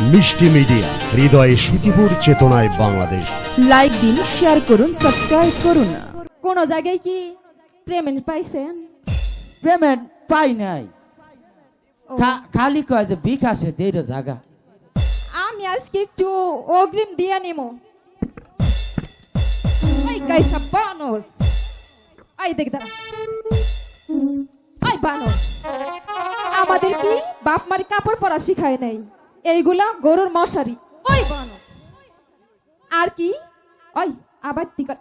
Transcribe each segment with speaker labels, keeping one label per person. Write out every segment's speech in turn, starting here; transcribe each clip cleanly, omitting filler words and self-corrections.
Speaker 1: মিষ্টি মিডিয়া, হৃদয়ে সুখীপুর, চেতনায় বাংলাদেশ।
Speaker 2: লাইক দিন, শেয়ার করুন, সাবস্ক্রাইব করুন।
Speaker 3: কোন জায়গায় কি পেমেন্ট পাইছেন?
Speaker 4: পেমেন্ট পাই নাই,
Speaker 3: ও,
Speaker 4: খালি কয় যে বিকাশে দেড় জায়গা।
Speaker 3: আমি আজকে একটু অগ্রিম দিয়ে নিমো। ওই গাইসা বানর, আই দেখ দাঁড়া, আই বানর, আমাদের কি বাপ মার কাপড় পরা শিখায় নাই, এইগুলা গরুর মশারি। ওই বানর আর কি, ওই আবার তিকা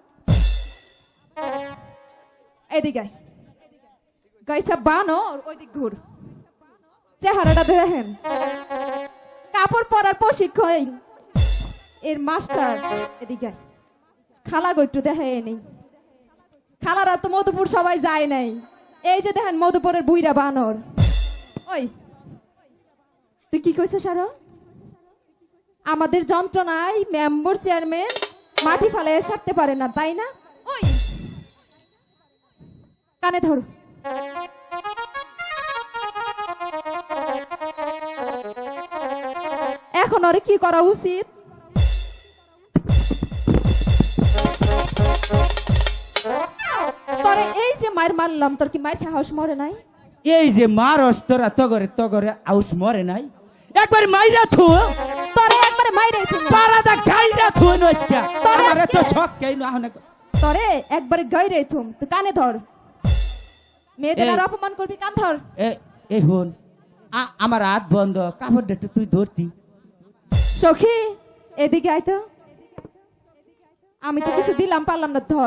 Speaker 3: এদিকে আয়। গাইসা বানর, ওই দিক ঘুর, চেহারাটা দেখেন, কাপড় পরার প্রশিক্ষণ এর মাস্টার। এদিকে আয়। খালা গইটু দেখে নেই, খালারা তো মধুপুর সবাই যায় নাই। এই যে দেখেন মধুপুরের বুইরা বানর। ওই তুই কি কইছিস আরো? আমাদের যন্ত্রণায় মেম্বার চেয়ারম্যান মাটি ফালাইয়া সারতে পারে না, তাই না? ওই কানে ধর, এখন ওরে কি করা উচিত? তোরে এই যে মার মারলাম, তোর কি মার খাওয়া মরে নাই?
Speaker 4: এই যে মারস তোরা তগরে আউস মরে নাই, একবার মাইরা থু,
Speaker 3: তোরে একবারে মাইরে থুম,
Speaker 4: পারাদা গাইরা থু নইস্কা।
Speaker 3: তোরে
Speaker 4: আমারে তো
Speaker 3: আজকে-
Speaker 4: শক কেন আহনে।
Speaker 3: তোরে একবারে গাইরে থুম। তুই কানে ধর, মেয়েদের
Speaker 4: এই-
Speaker 3: আর অপমান করবি, কান ধর।
Speaker 4: এই হন, আমার হাত বন্ধ, কাপড় একটু তুই ধরতি।
Speaker 3: সখী এদিকে আয় তো, আমি তো কিছু দিলাম পারলাম না, ধর।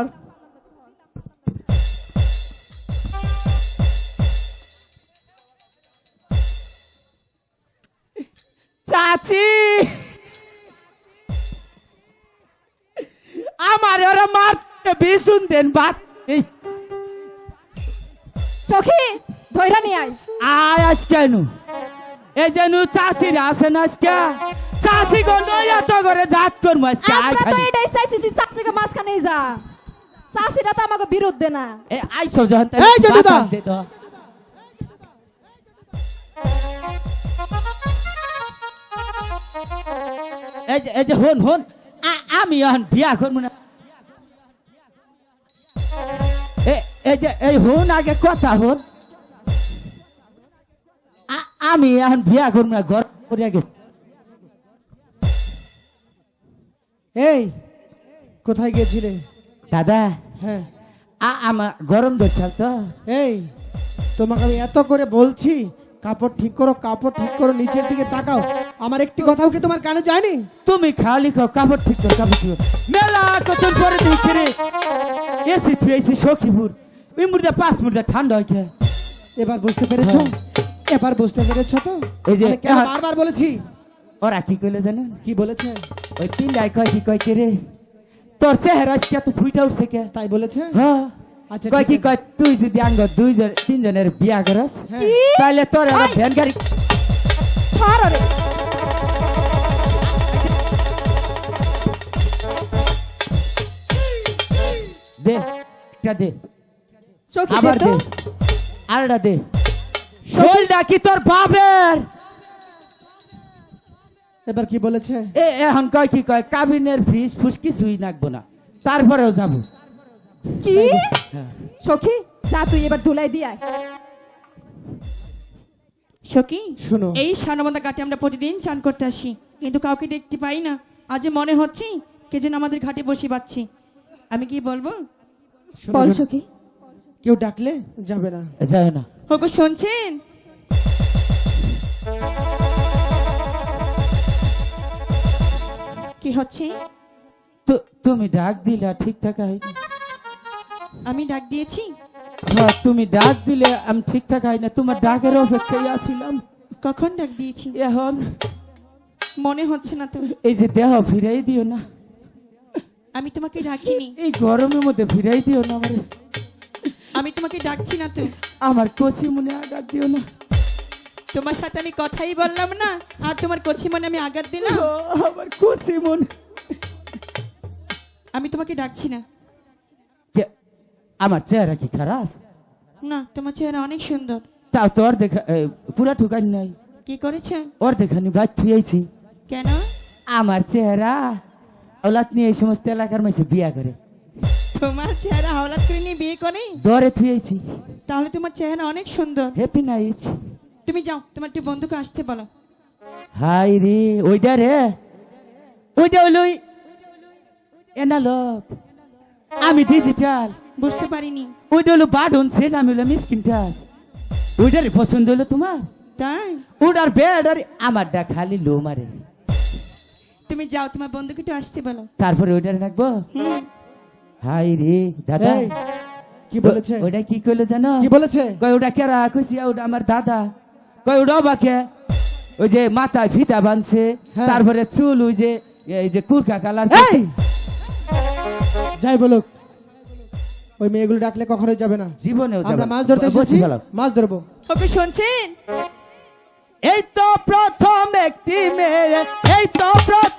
Speaker 4: চাচি, আমার ওরা মারতে বিশুন দেন বাত। এই
Speaker 3: সখী ধৈরা নিয়ে আয়।
Speaker 4: আয় আজ কেন এই যে নু চাষিরা আছে না আজকে, চাষি গো নয়া তো করে জাত করবো আজকে। আয়
Speaker 3: আমরা তো
Speaker 4: খালি
Speaker 3: এটাই চাইছি, তুই চাচিকে মাঝখানে যা। চাচিরা তো আমাকে বিরুদ্ধে না।
Speaker 4: এই আইসো যখন তাই
Speaker 5: এই জেঠুদা।
Speaker 4: বাতাস দে তো। এই যে হন হন, আমি এখন বিয়া করবো না। এই যে এই হন, আগে কথা হন, আমি এখন বিয়া করবো না, ঘর করিয়া গেছি।
Speaker 5: এই কোথায় গেছিলে?
Speaker 4: দাদা
Speaker 5: হ্যাঁ,
Speaker 4: আমার গরম ধরছে তো।
Speaker 5: এই তোমাকে আমি এত করে বলছি কাপড় ঠিক করো, কাপড় ঠিক করো, নিচের দিকে তাকাও। আমার একটি কথাও কি তোমার কানে যায়নি?
Speaker 4: তুমি খালি খাও, কাপড় ঠিক করো, কাপড় ঠিক করো। মেলা কতক্ষণ পরে দেখছি রে এসি তুই এসি সখীপুর, ওই মুর্দা 5 মিনিট ঠান্ডা হয় খেয়ে।
Speaker 5: এবার বুঝতে পেরেছো? এবার বুঝতে পেরেছো তো?
Speaker 4: এই যে
Speaker 5: আমি কেন বারবার বলেছি?
Speaker 4: ওরা কি কইলে জানেন?
Speaker 5: কি বলেছে?
Speaker 4: ওই তিনটাই কয় কি কয় কে রে, তোর চেহারা আজকে তো ফুইটা উঠছে কে?
Speaker 5: তাই বলেছে?
Speaker 4: হ্যাঁ
Speaker 5: আচ্ছা,
Speaker 4: কয়
Speaker 5: ঠিক
Speaker 4: কি
Speaker 5: আছে।
Speaker 4: কয়, তুই যদি আঙ্গ 2-3 জনের বিয়া করস
Speaker 5: হ্যাঁ।
Speaker 3: কি?
Speaker 4: তাহলে তোর আমার
Speaker 3: ওই!
Speaker 4: ভ্যান গাড়ি
Speaker 3: ধর ওরে।
Speaker 4: দে, একটা দে,
Speaker 3: সখী
Speaker 4: আবার
Speaker 3: দে তো।
Speaker 4: দে, আরেকটা দে। শোলটা কি তোর বাপের?
Speaker 5: এবার কি বলেছে?
Speaker 4: এখন কয় কি কয়, কাবিনের ফিস ফুস কিছুই নাকবো না, তারপরেও যাবো।
Speaker 3: কি
Speaker 4: হ্যাঁ।
Speaker 3: সখী, যা তুই এবার ধুলাই দিয়ে আয়।
Speaker 6: সখী,
Speaker 5: শোনো।
Speaker 6: এই সানবন্ধা ঘাটে আমরা প্রতিদিন চান করতে আসি, কিন্তু কাউকে দেখতে পাই না। আজ মনে হচ্ছে কে যেন আমাদের ঘাটে বসে পাচ্ছি। আমি কি বলবো?
Speaker 5: শোনো,
Speaker 3: বল
Speaker 5: শোনো।
Speaker 3: সখী।
Speaker 5: কেউ ডাকলে যাবে না।
Speaker 4: যায় না।
Speaker 6: ওগো শুনছেন? কি হচ্ছে?
Speaker 4: তুমি ডাক দিলে ঠিকঠাক হয়নি।
Speaker 6: আমি ডাক দিয়েছি?
Speaker 4: হ্যাঁ, তুমি ডাক দিলে আমি ঠিকঠাক হয় না, তোমার ডাকের অপেক্ষায় আছিলাম।
Speaker 6: কখন ডাক দিয়েছি?
Speaker 4: এখন
Speaker 6: মনে হচ্ছে না তো।
Speaker 4: এই যে দেহ ফিরাই দিও না,
Speaker 6: আমি তোমাকে ডাকিনি,
Speaker 4: এই গরমের মধ্যে ফিরাই দিও না আমারে।
Speaker 6: আমি তোমাকে ডাকছি না তো।
Speaker 4: আমার কচি মনে আঘাত দিও না।
Speaker 6: তোমার সাথে আমি কথাই বললাম না, আর তোমার কচি মনে আমি আঘাত দিলাম।
Speaker 4: ও, আমার কচি মন।
Speaker 6: আমি তোমাকে ডাকছি না।
Speaker 4: আমার চেহারা কি খারাপ?
Speaker 6: না, তোমার চেহারা অনেক সুন্দর।
Speaker 4: তাও তো ওর দেখা পুরা ঠুকান নাই,
Speaker 6: কি করেছে?
Speaker 4: ওর দেখানি বাইক থুয়েছি।
Speaker 6: কেন?
Speaker 4: আমার চেহারা ওলাত নিয়ে এই সমস্ত এলাকার মাঝে বিয়া করে
Speaker 6: তোমার চেহারা হাওলাত করে নিয়ে বিয়ে করে?
Speaker 4: দরে থুয়েছি।
Speaker 6: তাহলে তোমার চেহারা অনেক সুন্দর।
Speaker 4: Happy night.
Speaker 6: তুমি যাও, তোমার একটু বন্ধুকে আসতে বলো।
Speaker 4: হাই রে, ওইটা রে, ওইটা হলো এনালগ, আমি ডিজিটাল।
Speaker 6: বুঝতে পারিনি।
Speaker 4: ওইটা হলো বাটন সেট, আমি হলো মিসকিন টাচ। ওইটারে পছন্দ হলো তোমার?
Speaker 6: তাই?
Speaker 4: ওটার বেড আর আমারটা খালি লো মারে।
Speaker 6: তুমি যাও, তোমার বন্ধুকে একটু আসতে বলো।
Speaker 4: তারপরে ওইটারে রাখবো।
Speaker 6: হুম।
Speaker 4: হাই রে দাদা,
Speaker 5: এই, কি বলেছে?
Speaker 4: ওইটা কি কইলো জানো?
Speaker 5: কি বলেছে?
Speaker 4: কয় ওটা কেরা কইছি, ওটা আমার দাদা। কয় ওটা বাকে ওই যে মাথায় ফিতা বানছে,
Speaker 5: হ্যাঁ।
Speaker 4: তারপরে চুল ওই যে এই যে কুরকা কালার।
Speaker 5: এই যাই বলুক, ওই মেয়েগুলো ডাকলে কখনোই যাবে না।
Speaker 4: জীবনেও যাবে
Speaker 5: আমরা
Speaker 4: না।
Speaker 5: মাছ ধরতে
Speaker 4: বসি
Speaker 5: এসেছি,
Speaker 4: ফেলাও।
Speaker 5: মাছ ধরবো।
Speaker 6: ওকে শুনছেন?
Speaker 4: এই তো প্রথম একটি মেয়ে, এই তো প্রথম